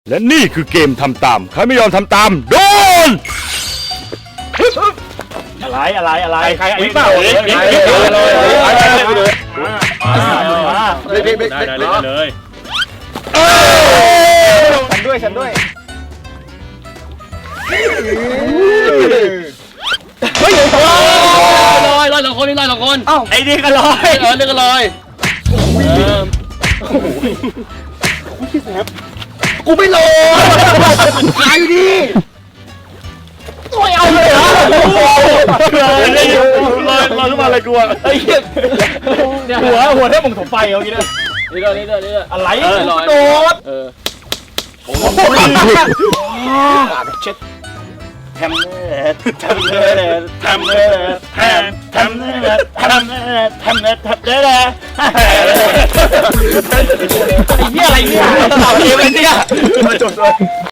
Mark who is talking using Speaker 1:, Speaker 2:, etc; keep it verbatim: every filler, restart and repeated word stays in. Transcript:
Speaker 1: และนี่คือเกมทำตามใครไม่ยอมทำตามโดน
Speaker 2: อะไรอะไรอะไร
Speaker 3: ใครวิเปล่า
Speaker 2: เลย
Speaker 3: วิ
Speaker 2: เลย
Speaker 3: เลย
Speaker 2: ได้ได้เลยเลยฉันด้วยฉันด้วย
Speaker 3: เฮ้ยลอยลอยสองคนนี่ลอยสองคน
Speaker 2: เอ้าไอ้นี่ก็ลอย
Speaker 3: เออเรื่องกันลอย
Speaker 2: กูไม่ลอยหายอยู่ดีไม่เอาเลยเหรอลอยลอยลอยขึ้นมาอะไรกูอ่ะไอ้เหี้ยหัวหัวแทบมึงถมไฟเอางี้นะ
Speaker 3: นี่เรื่องนี้เรื่องนี้
Speaker 2: อะไร
Speaker 3: ลอย
Speaker 2: โดด
Speaker 3: เออ
Speaker 2: เช็ดแทมเน่แทมเน่แทมเน่แทมแทมเน่แทมเน่แทมเน่แทมเน่ไอ้เหี้ยอะไรเนี่ยตอบเกมเลยเนี่ยมาจบเลย